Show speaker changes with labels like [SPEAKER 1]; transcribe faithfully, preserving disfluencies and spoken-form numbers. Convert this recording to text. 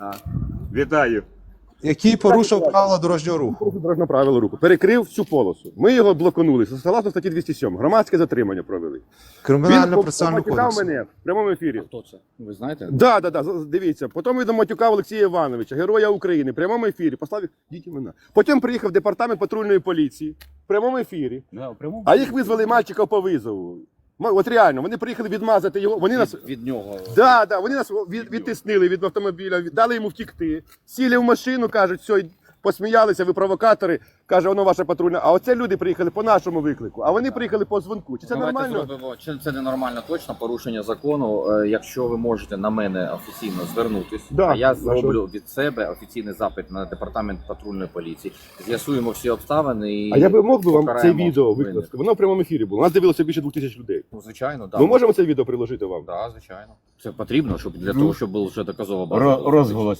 [SPEAKER 1] Вітаю.
[SPEAKER 2] Який порушив правила дорожнього руху.
[SPEAKER 1] Дорожнє правило руху. Перекрив всю полосу. Ми його блоканули. Согласно статті двісті сьом. Громадське затримання провели.
[SPEAKER 2] Кримінально процесуального
[SPEAKER 1] матюкав
[SPEAKER 2] кодексу.
[SPEAKER 1] мене в прямому ефірі.
[SPEAKER 3] Хто це? Ви знаєте?
[SPEAKER 1] Да, да, да, дивіться. Потім він матюкав Олексія Івановича, героя України, в прямому ефірі. Послав їх, діть імена. Потім приїхав департамент патрульної поліції в прямому ефірі.
[SPEAKER 3] Да, в прямому?
[SPEAKER 1] А їх визвали мальчика по визову. М- От реально, вони приїхали відмазати його. Вони нас
[SPEAKER 3] Від, від нього.
[SPEAKER 1] Да, да, вони нас від, відтиснили від автомобіля, від- дали йому втікти. Сіли в машину, кажуть, все, посміялися, ви провокатори. Каже, воно ваша патрульна. А оце люди приїхали по нашому виклику, а вони приїхали по дзвонку. Чи це
[SPEAKER 3] Давайте
[SPEAKER 1] нормально?
[SPEAKER 3] зробимо. Чи це ненормально точно порушення закону? Е, Якщо ви можете на мене офіційно звернутись,
[SPEAKER 1] Да,
[SPEAKER 3] а я
[SPEAKER 1] хорошо.
[SPEAKER 3] зроблю від себе офіційний запит на департамент патрульної поліції. З'ясуємо всі обставини і
[SPEAKER 1] А я би мог би вам це
[SPEAKER 3] покараємо
[SPEAKER 1] відео
[SPEAKER 3] винних.
[SPEAKER 1] викласти. Воно в прямому ефірі було. Нас дивилося більше двох тисяч людей.
[SPEAKER 3] Ну, звичайно, так.
[SPEAKER 1] Ми можемо це відео приложити вам?
[SPEAKER 3] Да, звичайно. Це потрібно, щоб для
[SPEAKER 1] Ну.
[SPEAKER 3] того, щоб був вже доказова база.
[SPEAKER 4] Ро- розголос.